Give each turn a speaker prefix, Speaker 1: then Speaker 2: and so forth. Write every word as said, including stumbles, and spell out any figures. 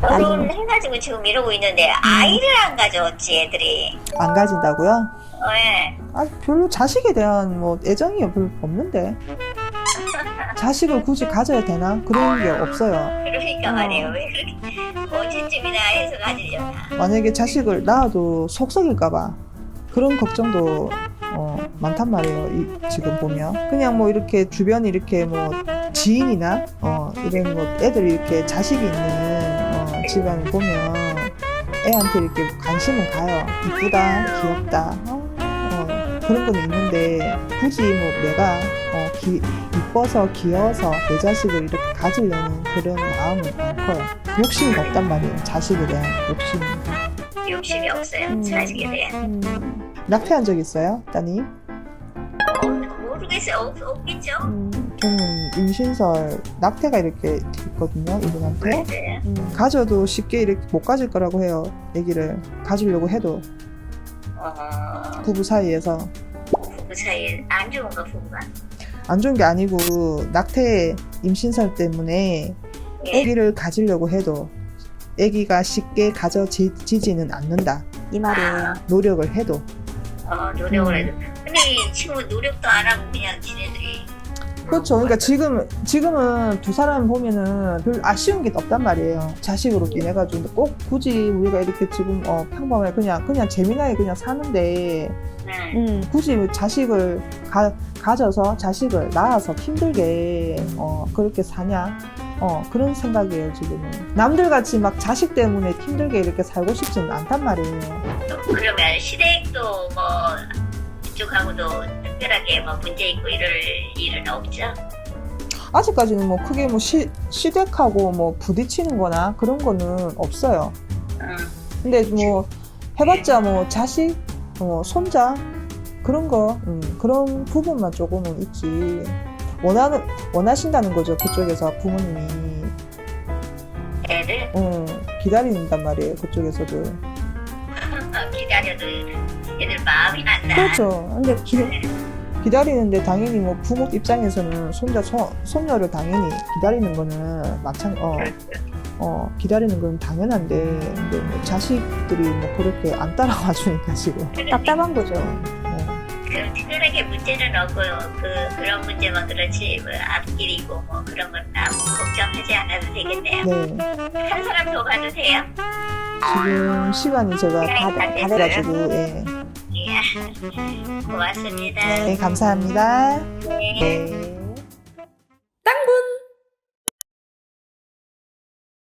Speaker 1: 결혼해가지고 지금 이러고 있는데 아이를 안 가져왔지 애들이.
Speaker 2: 안 가진다고요?
Speaker 1: 왜?
Speaker 2: 아, 별로 자식에 대한 뭐 애정이 별로 없는데. 자식을 굳이 가져야 되나? 그런 게 없어요.
Speaker 1: 그러니까
Speaker 2: 어.
Speaker 1: 말이에요. 왜 그렇게 언제쯤이나 해서 가지려나.
Speaker 2: 만약에 자식을 낳아도 속 썩일까봐 그런 걱정도 어, 많단 말이에요. 이, 지금 보면 그냥 뭐 이렇게 주변에 이렇게 뭐 지인이나 어, 이런 뭐 애들이 이렇게 자식이 있는 어, 집안을 보면 애한테 이렇게 관심은 가요. 이쁘다, 귀엽다, 어, 어, 그런 건 있는데 굳이 뭐 내가 어, 기, 이뻐서 귀여워서 내 자식을 이렇게 가지려는 그런 마음은 안 커요. 욕심이 없단 말이에요. 자식에 대한 욕심이.
Speaker 1: 욕심이 없어요.
Speaker 2: 음.
Speaker 1: 자식에 대한.
Speaker 2: 음, 낙태한 적 있어요, 따님?
Speaker 1: 어, 모르겠어요. 없, 없겠죠?
Speaker 2: 음, 저는 임신설 낙태가 이렇게 있거든요, 이분한테.
Speaker 1: 네.
Speaker 2: 음, 가져도 쉽게 이렇게 못 가질 거라고 해요, 아기를 가지려고 해도
Speaker 1: 어,
Speaker 2: 부부 사이에서.
Speaker 1: 부부 사이에 안 좋은 거 부부가.
Speaker 2: 안 좋은 게 아니고 낙태 임신설 때문에
Speaker 1: 예.
Speaker 2: 아기를 가지려고 해도 아기가 쉽게 가져지지는 않는다.
Speaker 3: 이 말이에요.
Speaker 2: 노력을 해도.
Speaker 1: 어, 노력을
Speaker 2: 음.
Speaker 1: 해도. 근데 이 친구 노력도 안 하고 그냥 지네들이.
Speaker 2: 그렇죠. 그러니까 지금, 지금은 두 사람 보면은 별 아쉬운 게 없단 말이에요. 자식으로 인해가지고. 근데 꼭 굳이 우리가 이렇게 지금, 어, 평범하게 그냥, 그냥 재미나게 그냥 사는데,
Speaker 1: 네.
Speaker 3: 음.
Speaker 2: 굳이 자식을 가, 가져서 자식을 낳아서 힘들게, 어, 그렇게 사냐? 어, 그런 생각이에요, 지금은. 남들 같이 막 자식 때문에 힘들게 이렇게 살고 싶지는 않단 말이에요.
Speaker 1: 그러면 시댁도 뭐 이쪽하고도 특별하게 뭐 문제 있고 이럴 일은 없죠?
Speaker 2: 아직까지는 뭐 크게 뭐 시, 시댁하고 뭐 부딪히는 거나 그런 거는 없어요.
Speaker 1: 응.
Speaker 2: 근데 뭐 해봤자 뭐 자식, 어, 손자 그런 거 음, 그런 부분만 조금은 있지. 원하는 원하신다는 거죠, 그쪽에서 부모님이.
Speaker 1: 애들
Speaker 2: 음, 기다린단 말이에요, 그쪽에서도.
Speaker 1: 기다려도 애들 마음이 난다.
Speaker 2: 그렇죠. 근데 기, 기다리는데 당연히 뭐 부모 입장에서는 손자 손, 손녀를 당연히 기다리는 거는 마찬 어, 어 기다리는 건 당연한데, 근데 뭐 자식들이 뭐 그렇게 안 따라와 주니까 지금.
Speaker 3: 답답한 거죠.
Speaker 2: 어.
Speaker 1: 그 특별하게 문제는 없고요. 그 그런 문제만 그렇지 뭐 앞길이고 뭐 그런 건 아무 걱정하지 않아도 되겠네요.
Speaker 2: 네.
Speaker 1: 한 사람 더 가도 돼요?
Speaker 2: 지금 시간이 제가 다,
Speaker 1: 다
Speaker 2: 다 돼가지고, 예.
Speaker 1: 예. 고맙습니다.
Speaker 2: 네, 감사합니다.
Speaker 1: 네.
Speaker 2: 네.